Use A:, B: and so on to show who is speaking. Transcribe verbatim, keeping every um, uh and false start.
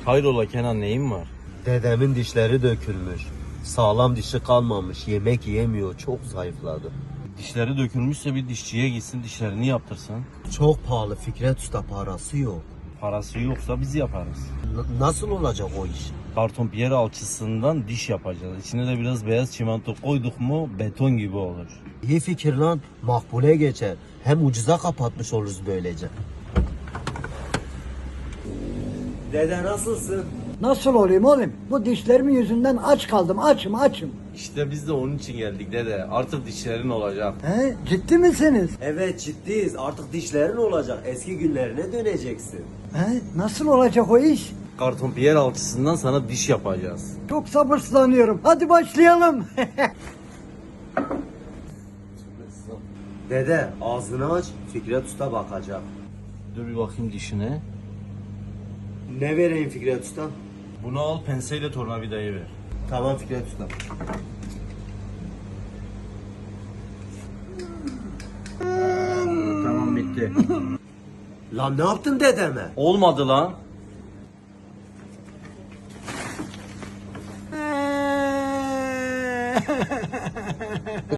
A: Hayrola Kenan, neyin var?
B: Dedemin dişleri dökülmüş. Sağlam dişi kalmamış. Yemek yemiyor. Çok zayıfladı.
A: Dişleri dökülmüşse bir dişçiye gitsin, dişlerini yaptırsın.
B: Çok pahalı Fikret Usta, parası yok.
A: Parası yoksa biz yaparız.
B: N- nasıl olacak o iş?
A: Karton piyer alçısından diş yapacağız. İçine de biraz beyaz çimento koyduk mu beton gibi olur.
B: İyi fikir lan. Makbule geçer. Hem ucuza kapatmış oluruz böylece. Dede nasılsın?
C: Nasıl olayım oğlum? Bu dişlerimin yüzünden aç kaldım. Açım açım.
A: İşte biz de onun için geldik dede. Artık dişlerin olacak.
C: He? Ciddi misiniz?
B: Evet, ciddiyiz. Artık dişlerin olacak. Eski günlerine döneceksin.
C: He? Nasıl olacak o iş?
A: Karton piyer alçısından sana diş yapacağız.
C: Çok sabırsızlanıyorum. Hadi başlayalım.
B: Dede ağzını aç. Fikret Usta bakacak.
A: Dur bir bakayım dişine.
B: Ne vereyim Fikret Usta?
A: Bunu al, penseyle tornavidayı ver.
B: Tamam Fikret Usta.
A: Tamam, bitti.
B: Lan ne yaptın dedeme?
A: Olmadı lan.